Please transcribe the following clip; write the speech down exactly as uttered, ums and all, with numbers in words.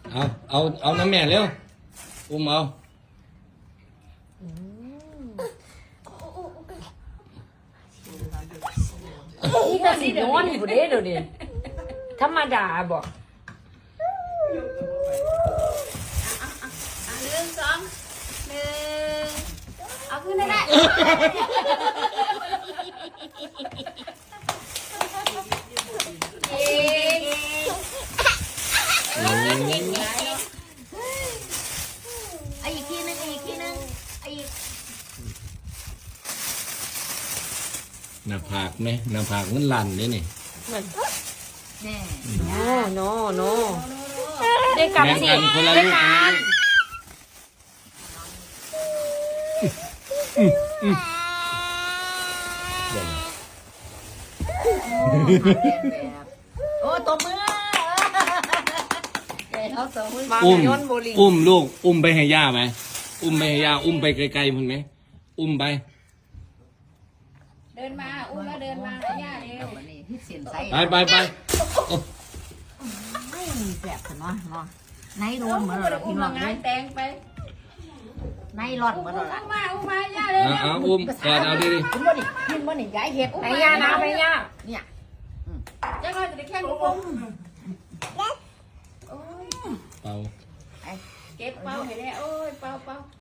เอาเอาเอาน้ำแม่เร็วอุ้มเอานี่แต่สินอนอยู่เด้เดี๋ยวนี้ธรรมดาบอกหนึ่งสองหนึ่งเอาขึ้นได้ได้เย้ไอ้อีกทีนึงอีกทีนึงไอ้อีกหน้าผากไหมหน้าผากมันลั่นเลยนี่แน่โน่โน่โน่ได้กลับแบ่งสิกันคนละได้ลูกกานะรเดี๋ยวนะโอ้ตัวมือเดี๋ยวตัวมือมาอุ้มโยนโบลิ่งอุ้มลูกอุ้มไปให้ย่าไหมอุ้มไปให้ย่าอุ้มไปไกลๆพุ่นไหมอุ้มไปเดินมาอุ้มแล้วเดินมาให้ย่าเร็วนี่ที่เสียนไส้ไปไปไปโอ้ไม่มีแบบเนาะเนาะในรวนเหมือนเราพี่น้องเลยแตงไปในรอดเหมือนเราละมาอุ้มมาย่าเร็วเอาเอาอุ้มกอดเอาดิดิกินบ่ดิกินบ่ดิย้ายเห็ดไปย่านะไปย่าเนี่ยจะก็จะได้แค่ลูกเป่าเก็บเป้าให้ได้โอ้ยเป้าเป้า